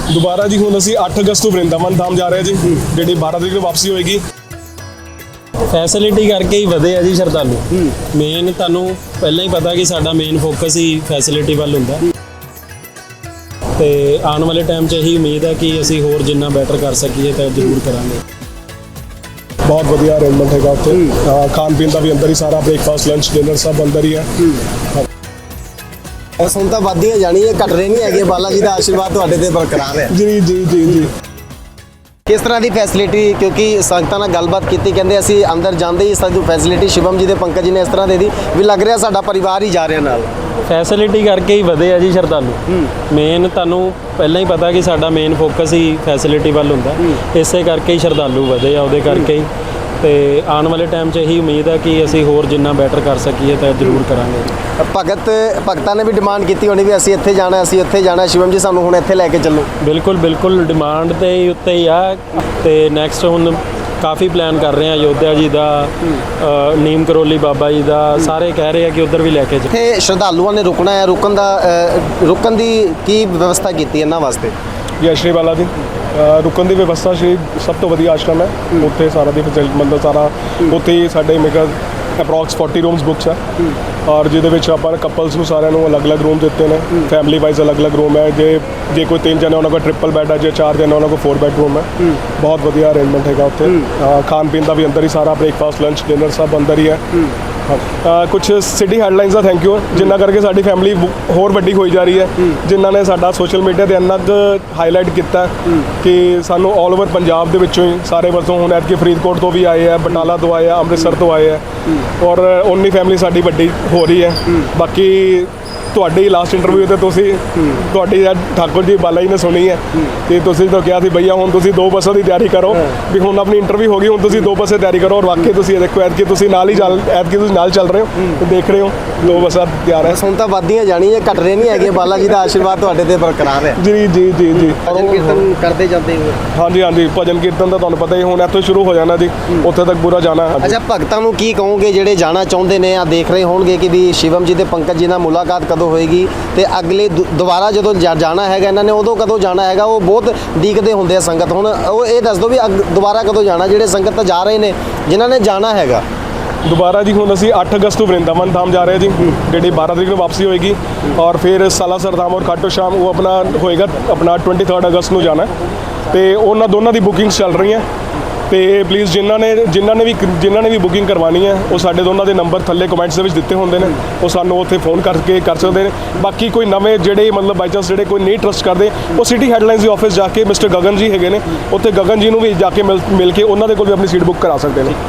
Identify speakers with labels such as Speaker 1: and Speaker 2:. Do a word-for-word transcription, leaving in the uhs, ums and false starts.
Speaker 1: ਦੁਬਾਰਾ ਜੀ ਹੁਣ ਅਸੀਂ ਅੱਠ ਅਗਸਤ ਨੂੰ ਵਰਿੰਦਾਵਨ ਧਾਮ ਜਾ ਰਹੇ ਹਾਂ ਜੀ, ਜਿਹੜੀ ਬਾਰਾਂ ਤਰੀਕ ਨੂੰ ਵਾਪਸੀ ਹੋਏਗੀ।
Speaker 2: ਫੈਸਿਲਿਟੀ ਕਰਕੇ ਹੀ ਵਧੇ ਆ ਜੀ ਸ਼ਰਧਾਲੂ। ਮੇਨ ਤੁਹਾਨੂੰ ਪਹਿਲਾਂ ਹੀ ਪਤਾ ਕਿ ਸਾਡਾ ਮੇਨ ਫੋਕਸ ਹੀ ਫੈਸਿਲਿਟੀ ਵੱਲ ਹੁੰਦਾ ਤੇ ਆਉਣ ਵਾਲੇ ਟਾਈਮ 'ਚ ਇਹੀ ਉਮੀਦ ਹੈ ਕਿ ਅਸੀਂ ਹੋਰ ਜਿੰਨਾ ਬੈਟਰ ਕਰ ਸਕੀਏ ਤਾਂ ਜ਼ਰੂਰ ਕਰਾਂਗੇ।
Speaker 1: ਬਹੁਤ ਵਧੀਆ ਅਰੇਂਜਮੈਂਟ ਹੈਗਾ ਉੱਥੇ, ਖਾਣ ਪੀਣ ਦਾ ਵੀ ਅੰਦਰ ਹੀ ਸਾਰਾ, ਬ੍ਰੇਕਫਾਸਟ ਲੰਚ ਡਿਨਰ ਸਭ ਅੰਦਰ ਹੀ ਹੈ।
Speaker 3: ਬਸ ਹੁਣ ਤਾਂ ਵੱਧਦੀਆਂ ਜਾਣੀ ਹੈ, ਘਟ ਰਹੇ ਨਹੀਂ ਹੈਗੇ। ਬਾਲਾ ਜੀ ਦਾ ਆਸ਼ੀਰਵਾਦ ਤੁਹਾਡੇ ਤੇ ਬਰਕਰਾਰ ਹੈ।
Speaker 1: ਜੀ ਜੀ ਜੀ ਜੀ
Speaker 3: ਕਿਸ ਤਰ੍ਹਾਂ ਦੀ ਫੈਸਿਲਿਟੀ, ਕਿਉਂਕਿ ਸੰਗਤਾਂ ਨਾਲ ਗੱਲਬਾਤ ਕੀਤੀ, ਕਹਿੰਦੇ ਅਸੀਂ ਅੰਦਰ ਜਾਂਦੇ ਹੀ ਸਾਨੂੰ ਫੈਸਿਲਿਟੀ ਸ਼ਿਵਮ ਜੀ ਦੇ ਪੰਕਜ ਜੀ ਨੇ ਇਸ ਤਰ੍ਹਾਂ ਦੇ ਦੀ ਵੀ ਲੱਗ ਰਿਹਾ ਸਾਡਾ ਪਰਿਵਾਰ ਹੀ ਜਾ ਰਿਹਾ ਨਾਲ।
Speaker 2: ਫੈਸਿਲਿਟੀ ਕਰਕੇ ਹੀ ਵਧੇ ਆ ਜੀ ਸ਼ਰਧਾਲੂ। ਮੇਨ ਤੁਹਾਨੂੰ ਪਹਿਲਾਂ ਹੀ ਪਤਾ ਕਿ ਸਾਡਾ ਮੇਨ ਫੋਕਸ ਹੀ ਫੈਸਿਲਿਟੀ ਵੱਲ ਹੁੰਦਾ, ਇਸੇ ਕਰਕੇ ਹੀ ਸ਼ਰਧਾਲੂ ਵਧੇ ਆ, ਉਹਦੇ ਕਰਕੇ ਹੀ। ਤੇ ਆਉਣ ਵਾਲੇ ਟਾਈਮ 'ਚ ਇਹੀ ਉਮੀਦ ਹੈ ਕਿ ਅਸੀਂ ਹੋਰ ਜਿੰਨਾ ਬੈਟਰ ਕਰ ਸਕੀਏ ਤਾਂ ਜ਼ਰੂਰ ਕਰਾਂਗੇ।
Speaker 3: ਭਗਤ ਭਗਤਾਂ ਨੇ ਵੀ ਡਿਮਾਂਡ ਕੀਤੀ ਹੋਣੀ ਵੀ ਅਸੀਂ ਇੱਥੇ ਜਾਣਾ, ਅਸੀਂ ਇੱਥੇ ਜਾਣਾ, ਸ਼ਿਵਮ ਜੀ ਸਾਨੂੰ ਹੁਣ ਇੱਥੇ ਲੈ ਕੇ ਚੱਲੋ।
Speaker 2: ਬਿਲਕੁਲ ਬਿਲਕੁਲ ਡਿਮਾਂਡ ਤੇ ਹੀ ਉੱਤੇ ਹੀ ਆ। ਤੇ ਨੈਕਸਟ ਹੁਣ ਕਾਫੀ ਪਲਾਨ ਕਰ ਰਹੇ ਆ, ਅਯੋਧਿਆ ਜੀ ਦਾ, ਨੀਮ ਕਰੋਲੀ ਬਾਬਾ ਜੀ ਦਾ, ਸਾਰੇ ਕਹਿ ਰਹੇ ਆ ਕਿ ਉੱਧਰ ਵੀ ਲੈ ਕੇ ਜਾ।
Speaker 3: ਇੱਥੇ ਸ਼ਰਧਾਲੂਆਂ ਨੇ ਰੁਕਣਾ ਹੈ, ਰੁਕਣ ਦਾ ਅ, ਰੁਕਣ ਦੀ ਕੀ ਵਿਵਸਥਾ ਕੀਤੀ ਇਹਨਾਂ ਵਾਸਤੇ?
Speaker 1: ਜੈ ਸ਼੍ਰੀ ਬਾਲਾ ਜੀ, ਰੁਕਣ ਦੀ ਵਿਵਸਥਾ ਸ਼੍ਰੀ ਸਭ ਤੋਂ ਵਧੀਆ ਆਸ਼ਰਮ ਹੈ ਉੱਥੇ, ਸਾਰਾ ਦੀ ਮਤਲਬ ਸਾਰਾ ਉੱਥੇ ਹੀ ਸਾਡੇ ਮੇਕਰ ਅਪਰੋਕਸ ਚਾਲੀ ਰੂਮਸ ਬੁੱਕਸ ਹੈ, ਔਰ ਜਿਹਦੇ ਵਿੱਚ ਆਪਾਂ ਕਪਲਸ ਨੂੰ ਸਾਰਿਆਂ ਨੂੰ ਅਲੱਗ-ਅਲੱਗ ਰੂਮ ਦਿੱਤੇ ਨੇ, ਫੈਮਿਲੀ ਵਾਈਜ਼ ਅਲੱਗ-ਅਲੱਗ ਰੂਮ ਹੈ। ਜੇ ਜੇ ਕੋਈ ਤਿੰਨ ਜਣੇ ਉਹਨਾਂ ਕੋਲ ਟ੍ਰਿਪਲ ਬੈੱਡ ਹੈ, ਜੇ ਚਾਰ ਜਣੇ ਉਹਨਾਂ ਕੋਲ ਫੋਰ ਬੈੱਡ ਰੂਮ ਹੈ। ਬਹੁਤ ਵਧੀਆ ਅਰੇਂਜਮੈਂਟ ਹੈਗਾ ਉੱਥੇ, ਖਾਣ ਪੀਣ ਦਾ ਵੀ ਅੰਦਰ ਹੀ ਸਾਰਾ, ਬ੍ਰੇਕਫਾਸਟ ਲੰਚ ਡਿਨਰ ਸਭ ਅੰਦਰ ਹੀ ਹੈ। ਕੁਝ ਸਿਟੀ ਹੈਡਲਾਈਨਸ ਦਾ ਥੈਂਕ ਯੂ, ਜਿੰਨਾ ਕਰਕੇ ਸਾਡੀ ਫੈਮਿਲੀ ਹੋਰ ਵੱਡੀ ਹੋਈ ਜਾ ਰਹੀ ਹੈ, ਜਿਨ੍ਹਾਂ ਨੇ ਸਾਡਾ ਸੋਸ਼ਲ ਮੀਡੀਆ ਤੇ ਇੰਨਾ ਕੁ ਹਾਈਲਾਈਟ ਕੀਤਾ ਕਿ ਸਾਨੂੰ ਆਲ ਓਵਰ ਪੰਜਾਬ ਦੇ ਵਿੱਚੋਂ ਹੀ ਸਾਰੇ ਪਾਸੋਂ, ਹੁਣ ਐਤਕੀ ਫਰੀਦਕੋਟ ਤੋਂ ਵੀ ਆਏ ਆ, ਬਟਾਲਾ ਤੋਂ ਆਏ ਆ, ਅੰਮ੍ਰਿਤਸਰ ਤੋਂ ਆਏ ਆ, ਔਰ ਉਨੀ ਫੈਮਿਲੀ ਸਾਡੀ ਵੱਡੀ ਹੋ ਰਹੀ ਹੈ। ਬਾਕੀ ਤੁਹਾਡੀ ਲਾਸਟ ਇੰਟਰਵਿਊ ਤੇ ਤੁਸੀਂ ਤੁਹਾਡੀ ਠਾਕੁਰ ਜੀ ਬਾਲਾ ਜੀ ਨੇ ਸੁਣੀ ਹੈ ਕਿ ਤੁਸੀਂ ਤਾਂ ਕਿਹਾ ਸੀ ਭਈਆ ਹੁਣ ਤੁਸੀਂ ਦੋ ਬੱਸਾਂ ਦੀ ਤਿਆਰੀ ਕਰੋ, ਵੀ ਹੁਣ ਆਪਣੀ ਇੰਟਰਵਿਊ ਹੋ ਗਈ, ਹੁਣ ਤੁਸੀਂ ਦੋ ਬੱਸੇ ਤਿਆਰੀ ਕਰੋ। ਔਰ ਵਾਕਈ ਤੁਸੀਂ ਇਹ ਦੇਖੋ ਐਤਕੀ ਤੁਸੀਂ ਨਾਲ ਹੀ ਚੱਲ ਐਤਕੀ ਤੁਸੀਂ ਨਾਲ ਚੱਲ ਰਹੇ ਹੋ, ਦੇਖ ਰਹੇ ਹੋ ਦੋ ਬੱਸਾਂ ਤਿਆਰ ਹੈ।
Speaker 3: ਹੁਣ ਤਾਂ ਵੱਧਦੀਆਂ ਜਾਣੀ ਹੈ, ਘਟ ਰਹੇ ਨਹੀਂ ਹੈਗੇ। ਬਾਲਾ ਜੀ ਦਾ ਆਸ਼ੀਰਵਾਦ ਤੁਹਾਡੇ ਤੇ ਬਰਕਰਾਰ ਹੈ।
Speaker 1: ਜੀ ਜੀ ਜੀ ਜੀ
Speaker 3: ਭਜਨ ਕੀਰਤਨ ਕਰਦੇ ਜਾਂਦੇ ਹੋ?
Speaker 1: ਹਾਂਜੀ ਹਾਂਜੀ, ਭਜਨ ਕੀਰਤਨ ਦਾ ਤੁਹਾਨੂੰ ਪਤਾ ਹੀ, ਹੁਣ ਇੱਥੋਂ ਸ਼ੁਰੂ ਹੋ ਜਾਣਾ ਜੀ, ਉੱਥੇ ਤੱਕ ਪੂਰਾ ਜਾਣਾ ਹੈ।
Speaker 3: ਅੱਛਾ, ਭਗਤਾਂ ਨੂੰ ਕੀ ਕਹੋਗੇ ਜਿਹੜੇ ਜਾਣਾ ਚਾਹੁੰਦੇ ਨੇ, ਆ ਦੇਖ ਰਹੇ ਹੋਣਗੇ ਕਿ ਵੀ ਸ਼ਿਵਮ ਜੀ ਤੇ ਪੰਕਜ ਜੀ ਨਾਲ ਮੁਲਾਕਾਤ ਕਦੋਂ ਹੋਏਗੀ ਤੇ ਅਗਲੇ ਦੁ- ਦੁਬਾਰਾ ਜਦੋਂ ਜਾ- ਜਾਣਾ ਹੈਗਾ ਇਹਨਾਂ ਨੇ, ਉਦੋਂ ਕਦੋਂ ਜਾਣਾ ਹੈਗਾ? ਉਹ ਬਹੁਤ ਡੀਕਦੇ ਹੁੰਦੇ ਆ ਸੰਗਤ। ਹੁਣ ਉਹ ਇਹ ਦੱਸ ਦਿਓ ਵੀ ਅਗ- ਦੁਬਾਰਾ ਕਦੋਂ ਜਾਣਾ, ਜਿਹੜੇ ਸੰਗਤ ਤਾਂ ਜਾ ਰਹੇ ਨੇ, ਜਿਨ੍ਹਾਂ ਨੇ ਜਾਣਾ ਹੈਗਾ।
Speaker 1: ਦੁਬਾਰਾ ਜੀ ਹੁਣ ਅਸੀਂ ਅੱਠ ਅਗਸਤ ਨੂੰ ਵਰਿੰਦਾਵਨ ਧਾਮ ਜਾ ਰਹੇ ਹਾਂ ਜੀ, ਜਿਹੜੀ ਬਾਰਾਂ ਤਰੀਕ ਨੂੰ ਵਾਪਸੀ ਹੋਏਗੀ, ਔਰ ਫਿਰ ਸਾਲਾਸਰ ਧਾਮ ਔਰ ਖਾਟੂ ਸ਼ਾਮ ਉਹ ਆਪਣਾ ਹੋਏਗਾ ਆਪਣਾ तेईस ਅਗਸਤ ਨੂੰ ਜਾਣਾ ਹੈ। ਤੇ ਉਹਨਾਂ ਦੋਨਾਂ ਦੀ ਬੁਕਿੰਗਸ ਚੱਲ ਰਹੀਆਂ ਤੇ ਪਲੀਜ਼ ਜਿਨ੍ਹਾਂ ਨੇ ਜਿਨ੍ਹਾਂ ਨੇ ਵੀ ਜਿਨ੍ਹਾਂ ਨੇ ਵੀ ਬੁਕਿੰਗ ਕਰਵਾਉਣੀ ਹੈ, ਉਹ ਸਾਡੇ ਦੋਨਾਂ ਦੇ ਨੰਬਰ ਥੱਲੇ ਕਮੈਂਟਸ ਦੇ ਵਿੱਚ ਦਿੱਤੇ ਹੁੰਦੇ ਨੇ, ਉਹ ਸਾਨੂੰ ਉੱਥੇ ਫੋਨ ਕਰਕੇ ਕਰ ਸਕਦੇ ਨੇ। ਬਾਕੀ ਕੋਈ ਨਵੇਂ ਜਿਹੜੇ ਮਤਲਬ ਬਾਈ ਚਾਂਸ ਜਿਹੜੇ ਕੋਈ ਨਹੀਂ ਟਰਸਟ ਕਰਦੇ, ਉਹ ਸਿਟੀ ਹੈਡਲਾਈਨਸ ਦੇ ਆਫਿਸ ਜਾ ਕੇ ਮਿਸਟਰ ਗਗਨ ਜੀ ਹੈਗੇ ਨੇ, ਉੱਥੇ ਗਗਨ ਜੀ ਨੂੰ ਵੀ ਜਾ ਕੇ ਮਿਲ ਮਿਲ ਕੇ ਉਹਨਾਂ ਦੇ ਕੋਲ ਵੀ ਆਪਣੀ ਸੀਟ ਬੁੱਕ ਕਰਾ ਸਕਦੇ ਨੇ।